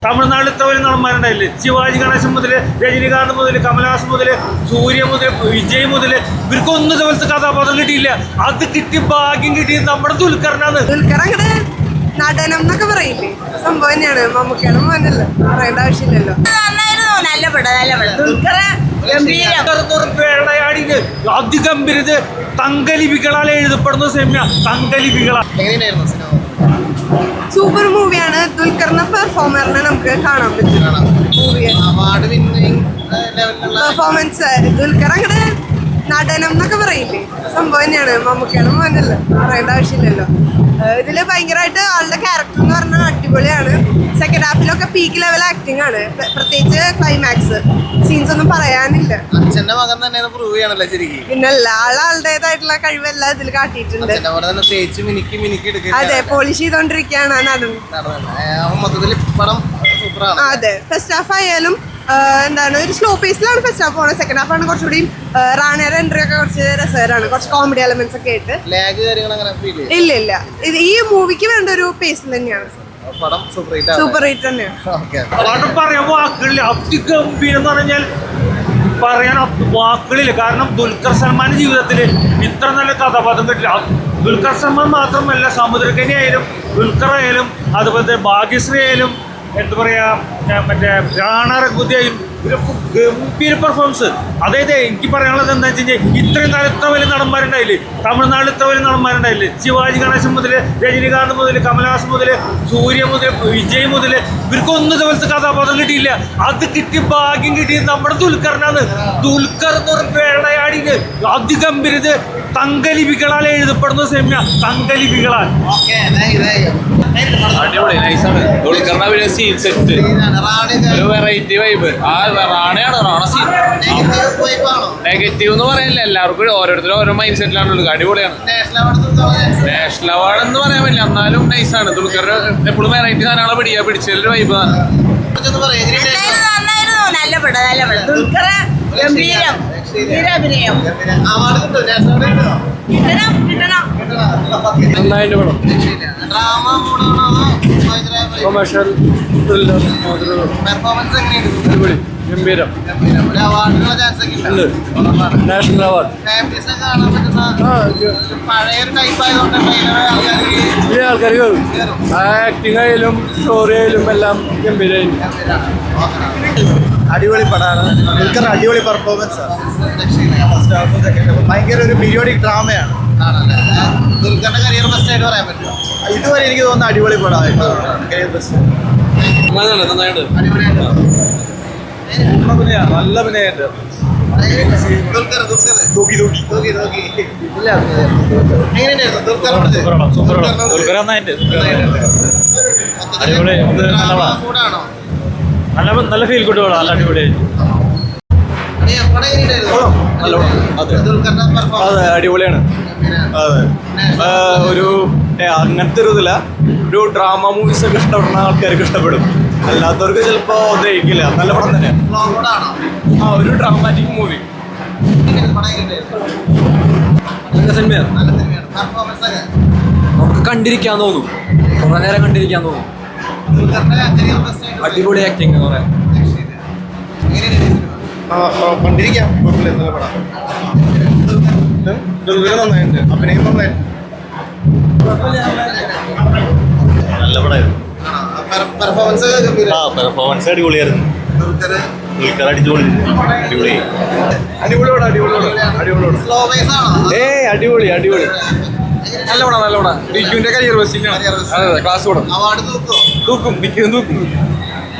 തമിഴ്നാട്ടിൽ ഇത്ര വലിയ നടന്മാരുണ്ടായില്ലേ? ശിവാജി ഗണേശൻ മുതൽ രജനികാന്ത് മുതൽ കമലഹാസൻ മുതൽ സൂര്യ മുതൽ വിജയ് മുതൽ ഇവർക്കൊന്നും ഇതുപോലത്തെ കഥാപാത്രം കിട്ടിയില്ല. അത് കിട്ടി ഭാഗ്യം കിട്ടിയത് നമ്മുടെ ദുൽഖറിനാണ്. ദുൽഖർ അങ്ങനെ നടനം എന്നൊക്കെ പറയില്ലേ, സംഭവം തന്നെയാണ്. മമ്മൂക്കയുടെ മോനല്ലോ, പറയേണ്ട ആവശ്യമില്ലല്ലോ. നല്ല പടം ദുൽഖർ അതിഗംഭീരത് തങ്കലിപികളാൽ എഴുതപ്പെടുന്ന സിനിമ. തങ്കലിപികളാണ്. സൂപ്പർ മൂവിയാണ്. ദുൽഖറിന്റെ പെർഫോമറിനെ നമുക്ക് കാണാൻ പറ്റും. പെർഫോമൻസ് ദുൽഖർ അങ്ങനെ നടനം എന്നൊക്കെ പറയില്ലേ, സംഭവം തന്നെയാണ്. മമ്മൂക്കയുടെ മോനല്ലോ, പറയേണ്ട ആവശ്യമില്ലല്ലോ. ഇതില് ഭയങ്കരമായിട്ട് ആളുടെ ക്യാരക്ടർ എന്ന് പറഞ്ഞാൽ അടിപൊളിയാണ്. സെക്കൻഡ് ഹാഫിലൊക്കെ പീക്ക് ലെവൽ ആക്ടിങ് ആണ്. പ്രത്യേകിച്ച് ക്ലൈമാക്സ് സീൻസ് ഒന്നും പറയാനില്ല. അച്ഛന്റെ മകൻ തന്നെ പ്രൂവ് ചെയ്യണല്ലോ ശരിക്കും. പിന്നെ ആളുടേതായിട്ടുള്ള കഴിവെല്ലാം ഇതിൽ കാട്ടിയിട്ടുണ്ട്. അതെ, പോളിഷ് ചെയ്തോണ്ടിരിക്കുകയാണ് ആ നടൻ. മൊത്തത്തിൽ പടം സൂപ്പറാണ്. അതെ, ഫസ്റ്റ് ഹാഫ് ആയാലും എന്താണ് ഒരു സ്ലോ പേസിലാണ് ഫസ്റ്റ് ഹാഫ് പോകുന്നത്. സെക്കൻഡ് ഹാഫ് ആണ് കുറച്ചുകൂടി റാണിയുടെ എൻട്രി ഒക്കെ കുറച്ച് രസകരമാണ്. കുറച്ച് കോമഡി എലമെന്റ്സ് ഒക്കെ ആയിട്ട്. ഇല്ല ഇല്ല, ഇത് ഈ മൂവിക്ക് വേണ്ട ഒരു പേസിൽ തന്നെയാണ്. സൂപ്പർ ഹിറ്റ് തന്നെയാണ്. പറയാൻ വാക്കുകളില്ല. അതിഗംഭീരം എന്ന് പറഞ്ഞാൽ പറയാൻ വാക്കുകളില്ല. കാരണം ദുൽഖർ സൽമാന്റെ ജീവിതത്തിൽ ഇത്ര നല്ല കഥാപാത്രം കിട്ടില്ല. ദുൽഖർ സൽമാൻ മാത്രമല്ല, സമുദ്രകനി ആയാലും ദുൽഖർ ആയാലും അതുപോലെ ഭാഗ്യശ്രീ ആയാലും എന്താ പറയാ, മറ്റേ രാണ രഘുതി ആയാലും ഇവരൊക്കെ ഗംഭീര പെർഫോമൻസ്. അതായത് എനിക്ക് പറയാനുള്ളത് എന്താ വെച്ച് കഴിഞ്ഞാൽ, ഇത്രയും കാലം ഇത്ര വലിയ നടന്മാരുണ്ടായില്ലേ? തമിഴ്നാട്ടിൽ ഇത്ര വലിയ നടന്മാരുണ്ടായില്ലേ? ശിവാജി ഗണേശൻ മുതൽ രജനികാന്ത് മുതൽ കമലഹാസൻ മുതൽ സൂര്യ മുതൽ വിജയ് മുതൽ ഇവർക്കൊന്നും ഇതുപോലത്തെ കഥാപാത്രം കിട്ടിയില്ല. അത് കിട്ടി ഭാഗ്യം കിട്ടിയത് നമ്മുടെ ദുൽഖറിനാണ്. ദുൽഖർ എന്ന് പറഞ്ഞ വേളയാടിന് അതിഗംഭീരത് തങ്കലിപികളാൽ എഴുതപ്പെടുന്ന സിനിമ. തങ്കലിപികളാൽ അടിപൊളി, നൈസാണ്. ദുൽഖറിന്റെ ഒരു സീൻ സെറ്റ്, ഒരു വെറൈറ്റി വൈബ്. ആ റാണയാണ്, റാണ സീൻ. നെഗറ്റീവ് എന്ന് പറയാനില്ല, എല്ലാവർക്കും ഓരോരുത്തരും ഓരോ മൈൻഡ് സെറ്റിലാണ്. അടിപൊളിയാണ്. നാഷണൽ അവാർഡ് എന്ന് പറയാൻ പറ്റില്ല, എന്നാലും നൈസാണ്. ദുൽഖർ എപ്പോഴും വെറൈറ്റി സാധനങ്ങളെ പിടിച്ചൊരു വൈബ് ആണ്. നല്ല പടം ദുൽഖർ ഗംഭീരം അഭിനയം. നന്നായിട്ട് പടം. കൊമേഴ്ഷ്യൽ അടിപൊളി, ഗംഭീരം. National award. ആൾക്കാർ ആക്ടിങ് ആയാലും സ്റ്റോറി ആയാലും എല്ലാം ഗംഭീരമായിരുന്നു. അടിപൊളി പടമാണ്. ദുൽഖർ അടിപൊളി പെർഫോമൻസ് ആണ്. ഭയങ്കര ഒരു പീരിയോഡിക് ഡ്രാമയാണ്. ദുൽഖറിന്റെ കരിയർ ബെസ്റ്റ് ആയിട്ട് പറയാൻ പറ്റുമോ? ഇതുവരെ എനിക്ക് തോന്നുന്നു അടിപൊളി പടമായിട്ട് കരിയർ ബെസ്റ്റ്. നന്നായിട്ട് നല്ല അഭിനയമായിട്ട് നല്ല ഫീൽ ഗുഡ് പടം. നല്ല അടിപൊളിയായിട്ട്. അതെ, അടിപൊളിയാണ്. അതെ, ഒരു അങ്ങനത്തെ ഒരു ഇതില്ല, ഒരു ഡ്രാമ മൂവീസ് ഒക്കെ ഇഷ്ടപ്പെടുന്ന ആൾക്കാർക്ക് ഇഷ്ടപ്പെടും, അല്ലാത്തവർക്ക് ചിലപ്പോ ദഹിക്കില്ല. നല്ല പടം തന്നെ. ആ, ഒരു ഡ്രാമാറ്റിക് മൂവി. നല്ല സിനിമയാണ്. നമുക്ക് കണ്ടിരിക്കാൻ തോന്നും, കുറെ നേരം കണ്ടിരിക്കാൻ തോന്നും. അടിപൊളി ആക്ടിങ് എന്ന് പറയാം. കണ്ടിരിക്കാം. നന്നായിട്ടുണ്ട്, അഭിനയം നന്നായിട്ടുണ്ട്. നല്ല പടമായിരുന്നു. പെർഫോമൻസ് പെർഫോമൻസ് അടിപൊളിയായിരുന്നു. ദുൽഖർ അടിപൊളി. അടിപൊളി അടിപൊളി. നല്ല പടം, നല്ല പടം. ഡിക്യുവിന്റെ കരിയർ ബെസ്റ്റിംഗ് ആണ്. അതെ, ക്ലാസ് പടം. അവാർഡ് തൂക്കും, ഡിക്യു തൂക്കും.